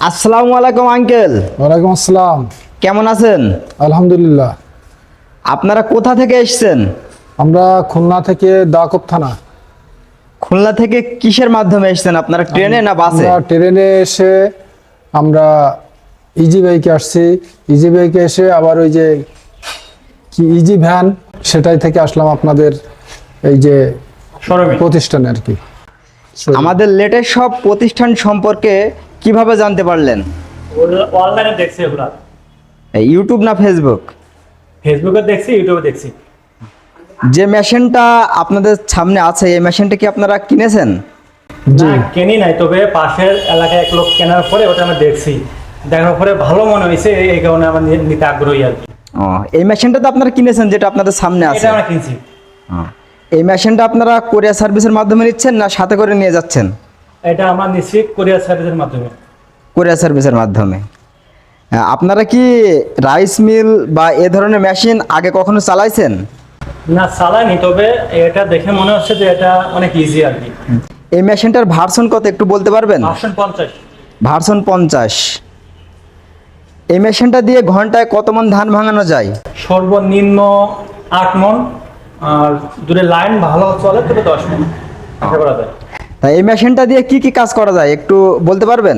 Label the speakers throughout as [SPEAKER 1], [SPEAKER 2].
[SPEAKER 1] আসসালামু আলাইকুম আঙ্কেল।
[SPEAKER 2] ওয়ালাইকুম আসসালাম।
[SPEAKER 1] কেমন আছেন?
[SPEAKER 2] আলহামদুলিল্লাহ।
[SPEAKER 1] আপনারা কোথা থেকে এসেছেন?
[SPEAKER 2] আমরা খুলনা থেকে দাকব থানা।
[SPEAKER 1] খুলনা থেকে কিসের মাধ্যমে এসেছেন আপনারা, ট্রেনে না বাসে?
[SPEAKER 2] আমরা ট্রেনে এসে আমরা ইজি বাইকে আসছি। ইজি বাইকে এসে আবার ওই যে কি ইজি ভ্যান সেটাই থেকে আসলাম আপনাদের এই যে প্রতিষ্ঠানে আর কি।
[SPEAKER 1] আমাদের লেটেস্ট সব প্রতিষ্ঠান সম্পর্কে কিভাবে জানতে পারলেন?
[SPEAKER 3] অনলাইনে দেখছি এগুলা।
[SPEAKER 1] ইউটিউব না ফেসবুক?
[SPEAKER 3] ফেসবুকে দেখছি, ইউটিউবে দেখছি।
[SPEAKER 1] যে মেশিনটা আপনাদের সামনে আছে এই মেশিনটা কি আপনারা কিনেছেন?
[SPEAKER 2] জি,
[SPEAKER 3] না কেনি নাই, তবে পাশের এলাকায় এক লোক কেনার পরে ওটা আমি দেখছি, দেখার পরে ভালো মনে হয়েছে, এই কারণে আমার নিতে আগ্রহী আর কি।
[SPEAKER 1] ও, এই মেশিনটা তো আপনারা কিনেছেন যেটা আপনাদের সামনে আছে?
[SPEAKER 3] এটা আমরা কিনছি।
[SPEAKER 1] এই মেশিনটা আপনারা কোরিয়ার সার্ভিসের মাধ্যমে নিচ্ছেন না সাথে করে নিয়ে যাচ্ছেন?
[SPEAKER 3] এটা আমরা নিচ্ছি কোরিয়ার সার্ভিসের মাধ্যমে।
[SPEAKER 1] কোরিয়ার সার্ভিসের মাধ্যমে। আপনারা কি রাইস মিল বা এ ধরনের মেশিন আগে কখনো চালাইছেন?
[SPEAKER 3] না চালাইনি, তবে এটা দেখে মনে হচ্ছে যে এটা অনেক ইজি আর কি।
[SPEAKER 1] এই মেশিনটার ভার্সন কত একটু বলতে পারবেন?
[SPEAKER 3] ভার্সন 50।
[SPEAKER 1] ভার্সন 50। এই মেশিনটা দিয়ে ঘন্টায় কত মণ ধান ভাঙানো যায়?
[SPEAKER 3] সর্বনিম্ন 8 মণ, আর দূরে লাইন ভালো চলে তবে 10 মণ আশা করা যায়।
[SPEAKER 1] তাই এই মেশিনটা দিয়ে কি কি কাজ করা যায় একটু বলতে পারবেন?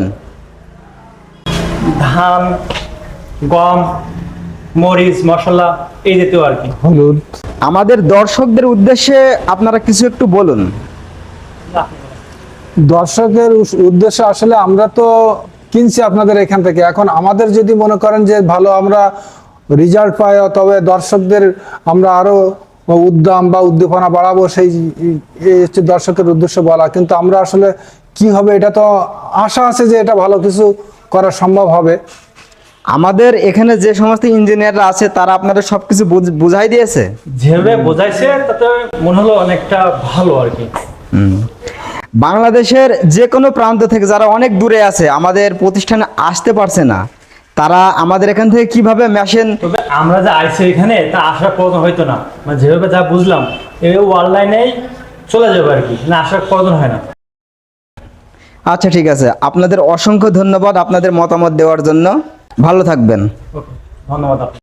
[SPEAKER 3] ধান, গম, মরিচ, মশলা এই জাতীয় আর কি।
[SPEAKER 2] হলুদ।
[SPEAKER 1] আমাদের দর্শকদের উদ্দেশ্যে আপনারা কিছু একটু বলুন।
[SPEAKER 2] দর্শকের উদ্দেশ্যে আসলে আমরা তো কিনছি আপনাদের এখান থেকে, এখন আমাদের যদি মনে করেন যে ভালো আমরা রেজাল্ট পাই, তবে দর্শকদের আমরা আরো উদ্যম বা উদ্দীপনা বাড়াবো, সেই এই হচ্ছে দর্শকের উদ্দেশ্য বলা। কিন্তু আমরা আসলে কি হবে এটা তো আশা আছে যে এটা ভালো কিছু করা সম্ভব হবে।
[SPEAKER 1] আমাদের এখানে যে সমস্ত ইঞ্জিনিয়াররা আছে তারা আপনাদের সবকিছু বুঝাই দিয়েছে?
[SPEAKER 3] যেভাবে বোঝাইছে তাতে মনে হলো অনেকটা ভালো আর কি।
[SPEAKER 1] বাংলাদেশের যে কোনো প্রান্ত থেকে যারা অনেক দূরে আছে আমাদের প্রতিষ্ঠানে আসতে পারছে না, তারা আমাদের এখান থেকে কিভাবে মেশিন?
[SPEAKER 3] তবে আমরা যে আইছি এখানে তা আসার প্রয়োজন হইতো না, মানে যেভাবে যা বুঝলাম এই অনলাইনেই চলে যাবে আর কি, না আসার প্রয়োজন হয় না।
[SPEAKER 1] আচ্ছা ঠিক আছে, আপনাদের অসংখ্য ধন্যবাদ আপনাদের মতামত দেওয়ার জন্য। ভালো থাকবেন।
[SPEAKER 3] ওকে, ধন্যবাদ।